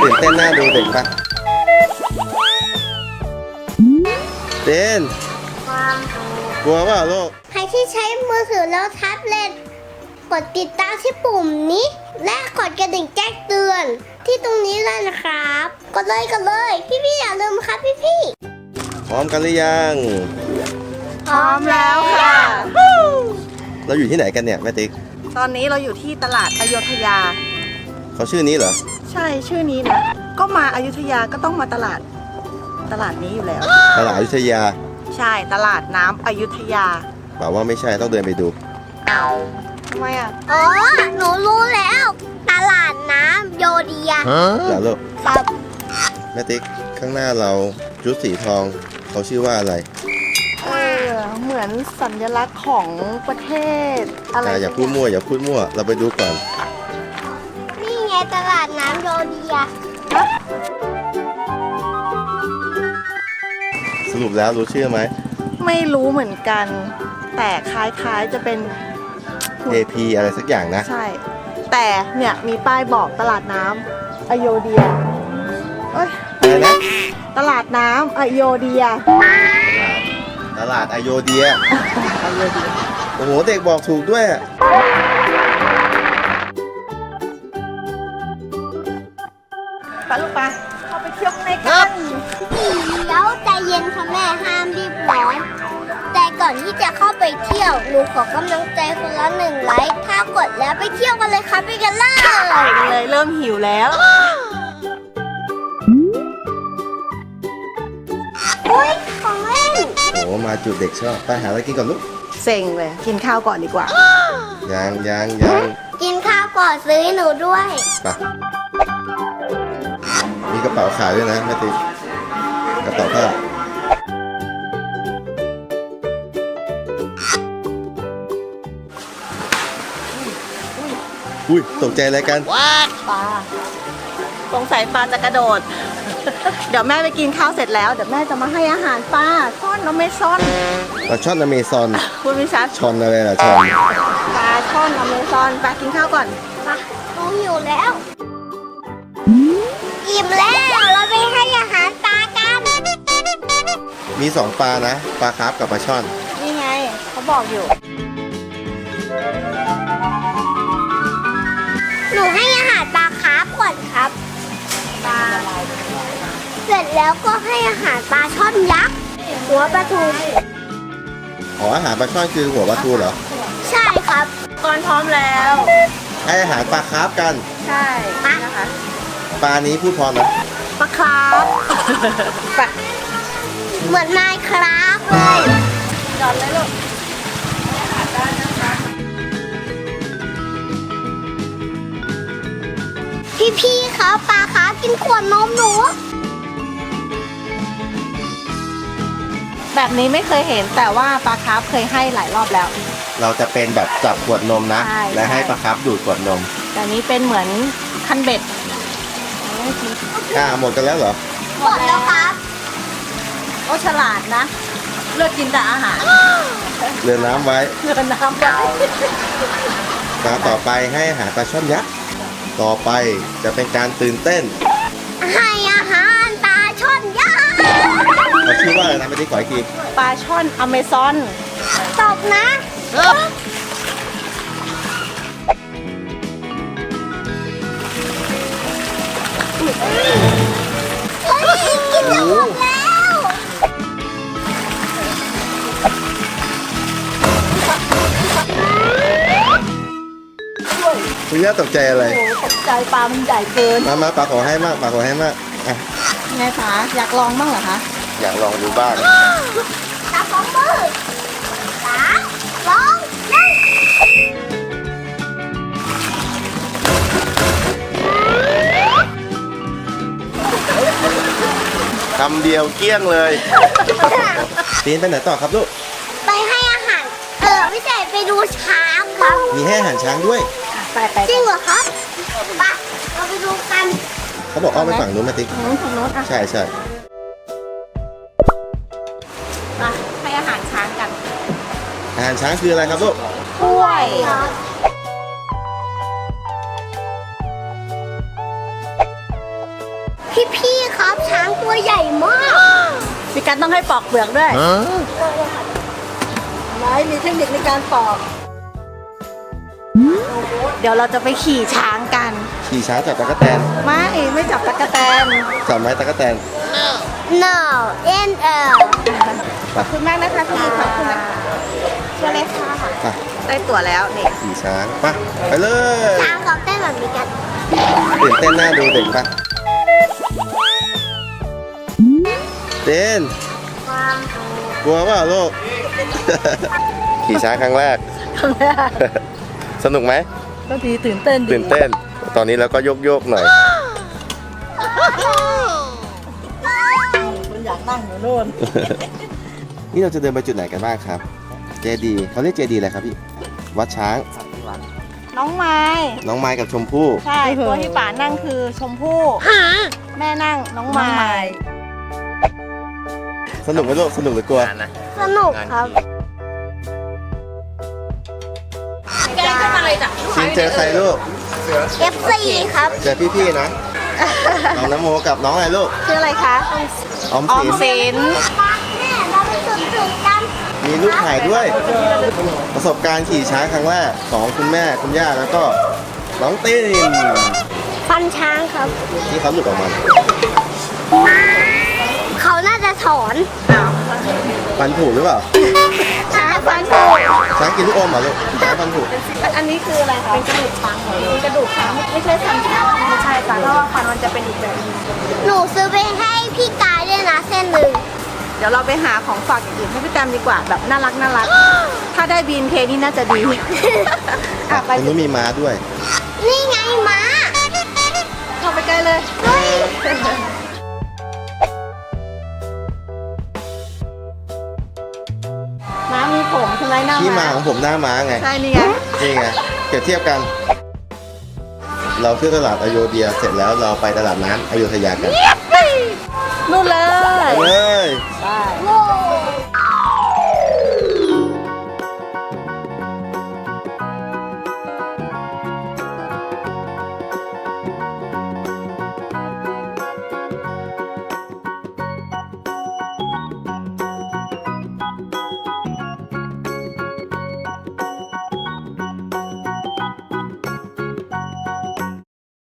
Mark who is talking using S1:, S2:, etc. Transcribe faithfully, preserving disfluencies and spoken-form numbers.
S1: ตื่นเต้นน่าดูเด็กปะเต้นกลัวเปล่าลูก
S2: ใครที่ใช้มือถือแล้วแท็บเล็ตกดติดตามที่ปุ่มนี้ และกดกระดิ่งแจ้งเตือนที่ตรงนี้เลยนะครับกดเลยกดเลยพี่ๆอย่าลืมครับพี่ๆ
S1: พร้อมกันหรือยัง
S3: พร้อมแล้วค่ะ
S1: เราอยู่ที่ไหนกันเนี่ยแม่ติ๊ก
S3: ตอนนี้เราอยู่ที่ตลาดอโยธยา
S1: เขาชื่อนี้เหรอ
S3: ใช่ชื่อนี้นะก็มาอยุธยาก็ต้องมาตลาดตลาดนี้อยู่แล้ว
S1: ตลาดอยุธยา
S3: ใช่ตลาดน้ำอยุธยา
S1: เปล่าว่าไม่ใช่ต้องเดินไปดู
S3: ทำไมอ่ะ
S2: อ๋อหนูรู้แล้วตลาดน้ำโยเดีย
S1: เหรอลูก
S2: ครับ
S1: แม่ติ๊กข้างหน้าเราชุดสีทองเขาชื่อว่าอะไร
S3: เออเหมือนสัญลักษณ์ของประเทศอะไร
S1: อย่าพูดมั่วอย่าพูดมั่วเราไปดูก่อน
S2: นี่ไงตลาดน้ำโยเดีย
S1: สรุปแล้วรู้ชื่อไหม
S3: ไม่รู้เหมือนกันแต่คล้ายๆจะเป็น
S1: เอ พี อะไรสักอย่างนะ
S3: ใช่แต่เนี่ยมีป้ายบอกตลาดน้ำอโยเดียเอ้ย
S1: อะไรนะ
S3: ตลาดน้ำอโยเดีย
S1: ตลาดอโยเดียโอ้โหเด็กบอกถูกด้วย
S3: ไปลูกไปเข้าไปเที่ยวข้างในกัน
S2: เดี๋ยวใจเย็นค่ะแม่ห้ามรีบร้อนแต่ก่อนที่จะเข้าไปเที่ยวหนูขอกำลังใจคนละหนึ่งไลค์ถ้ากดแล้วไปเที่ยวกันเลยครับไปกันเลย
S3: ไปกันเลยเริ่มหิวแล้ว
S2: อุ้ยของเล่น
S1: โอ้มาจุดเด็กชอบไปหาอะไรกินก่อนลูก
S3: เซ็งเลยกินข้าวก่อนดีกว่า
S1: ยังยังยัง
S2: กินข้าวก่อนซื้อให้หนูด้วย
S1: ไปมีกระเป๋าขายด้วยนะแม่ติ๊กกระเป๋าผ้าอุ้ยตกใจอะไรกัน
S3: ปลาสงสัยปลาจะกระโดดเดี๋ยวแม่ไปกินข้าวเสร็จแล้วเดี๋ยวแม่จะมาให้อาหารปลาช่อนอเมซอน
S1: ปลาช่อนอเมซอน
S3: พูดไม่ชัด
S1: ช่อนอะไรล่ะช่อน
S3: ปลาช่อนอเมซอนปลากินข้าวก่อน
S2: ปลาหนูหิวแล้วอิ่มแล้วเราไปให้อาหารปลากัน
S1: มีสองปลานะปลาคาร์ฟกับปลาช่อน
S3: นี่ไงเขาบอกอยู่
S2: หนูให้อาหารปลาคาร์ฟก่อนครับปลาเสร็จแล้วก็ให้อาหารปลาช่อนยักษ์หัวปลาทู
S1: อ๋ออาหารปลาช่อนคือหัวปลาทูเหรอ
S2: ใช่ครับ
S3: ก่อนพร้อมแล้ว
S1: ให้อาหารปลาคาร์ฟกัน
S3: ใช่นะคะ
S1: ปลานี้พูดพร้อมไหม
S3: ปลาคาร์ฟ
S2: เหมือนนายคราฟเลย
S3: จอดเลยลูก
S2: พี่ๆเขาปลาขากินขวดนมหนู
S3: แบบนี้ไม่เคยเห็นแต่ว่าปลาคาร์ฟเคยให้หลายรอบแล้ว
S1: เราจะเป็นแบบจับขวดนมนะและให้ปลาคาร์ฟดูดขวดนม
S3: แต่นี้เป็นเหมือนคันเบ็ด
S1: อ่าหมดกันแล้วเหรอ
S2: หมดแล้วครับ
S3: โอ้ฉลาดนะเลือกกินแต่อาหาร
S1: เรือน้ำไว้
S3: เรือน้ำไว้
S1: ตาต่อไปให้อาหารปลาช่อนยักษ์ต่อไปจะเป็นการตื่นเต้น
S2: ให้อาหารปลาช่อนยักษ์
S1: เขาชื่อว่าอะไรนะไม่ได้ขออีกที
S3: ปลาช่อนอเมซอน
S2: ตบนะเฮ้ยกินจะหมดแล้ว
S1: คุณย่าตกใจอะไร
S3: โอ้ตกใจปลามันใหญ่เกิน
S1: มามาปลาขอให้มากปลาขอให้มากอ่ะ
S3: ไงคะอยากลองบ้างเหรอคะ
S1: อยากลองดูบ้าง
S2: จับสองมือสามสองหนึ่ง
S1: คำเดียวเกลี้ยงเลยปีนไปไหนต่อครับลูก
S2: ไปให้อาหารเออไม่ใช่ไปดูช้างครับ
S1: มีให้อาหารช้างด้วย
S3: ไปไป
S2: จริงเหรอครับไปเราไปดูกัน
S1: เขาบอกอ้อมไปฝั่งนู้นมาติ๊ก
S3: ฝั่งนู้นอ่ะ
S1: ใช่ใช่
S3: มาให้อาหารช้างกัน
S1: อาหารช้างคืออะไรครับลูก
S3: กล้วย
S2: พี่ๆครับช้างตัวใหญ่มาก
S3: มีการต้องให้ปอกเปลือกด้วยไหนมีเทคนิคในการปอก เดี๋ยวเราจะไปขี่ช้างกัน
S1: ขี่ช้างจับตะกั่วแตน
S3: ไม่ไม่จับตะกะแตน
S1: จับไม้ตะกั่วแตน
S2: no n l
S3: ขอบคุณมากนะคะพี่ขอบคุณนะคะเชิญเลยค่ะ
S1: ไป
S3: ได้ตั๋วแล้วนี่
S1: ขี่ช้างไปไปเลย
S2: ช้างเขาเต้นแบบนี้กัน
S1: ตื่นเต้นหน้าดูเด็กปะเต้นกลัวเปล่าลูก ขี่ช้างครั้งแรก
S3: ครั้งแรก
S1: สนุกไหม
S3: ก็ดีตื่นเต้นดี
S1: ตื่นเต้น ตอนนี้เราก็โยกโยกๆหน่อย
S3: คุณอยากนั่งอยู่นู่น
S1: นี่เราจะเดินไปจุดไหนกันบ้างครับ เจดีเขาเรียกเจดีอะไรครับพี่ วัดช้าง
S3: น้องไม้
S1: น้องไม้กับชมพู่
S3: ใช่ตัวที่ป๋านั่งคือชมพู่แม่นั่งน้องไม้
S1: สนุกไหมลูก สนุกหรือกลัว
S2: สนุกครับ
S3: แกขึ้นมาเลยจ้ะ
S1: ชินเจอใครลูก
S2: เอฟ ซี ครับ
S1: เจอพี่ๆนะ น้องน้ำโมกับน้องอะไรลูก
S3: ชื่ออะไรคะ
S1: ออม
S3: ออ
S1: สิ
S3: ม
S1: น
S3: สิน
S2: แม่เราไปสุดถึงกัน
S1: มีลูกถ่ายด้วย ประสบการณ์ขี่ช้างครั้งแรกของคุณแม่คุณย่าแล้วก็น้องตีน
S2: ฟันช้างครับ
S1: ที่เขาหลุดออกมา
S2: เขาน่าจะถอน
S1: ฟันผุหรือเปล่า
S3: ช้างฟันผุ
S1: ช้างกินลูกอมเหรอลูกช้างฟันผุ
S3: อันนี้คืออะไรคะเป็นกระดูกช้างเหรอเป็นกระดูกช้างไม่ใช่ฟันช้างไม่ใช่ค่ะเพราะว่าฟันมันจะเป็นอีกแบบนึง
S2: หนูซื้อไปให้พี่กายด้วยนะเส้นหนึ่ง
S3: เดี๋ยวเราไปหาของฝากอย่างอื่นให้พี่แตมดีกว่าแบบน่ารักน่ารัก ถ้าได้บีนเคนี่น่าจะดี อ่ะไป
S1: ตรงนี้มีม้าด้วย
S2: นี่ไงม้า
S3: เข้าไปใกล้เลย
S2: เฮ้ย
S3: ม้ามีผมใช่ไหมหน้า
S1: ที่มา
S3: ม้า
S1: ของผมหน้าม้าไง
S3: ใช่นี่ไง
S1: นี่ไง เปรียบเทียบกัน เราเที่ยวตลาดอโยเดียเสร็จแล้วเราไปตลาดน้ำอโยธยากัน
S3: นู่นเลย
S1: ไปเลย
S3: ไป
S2: โว้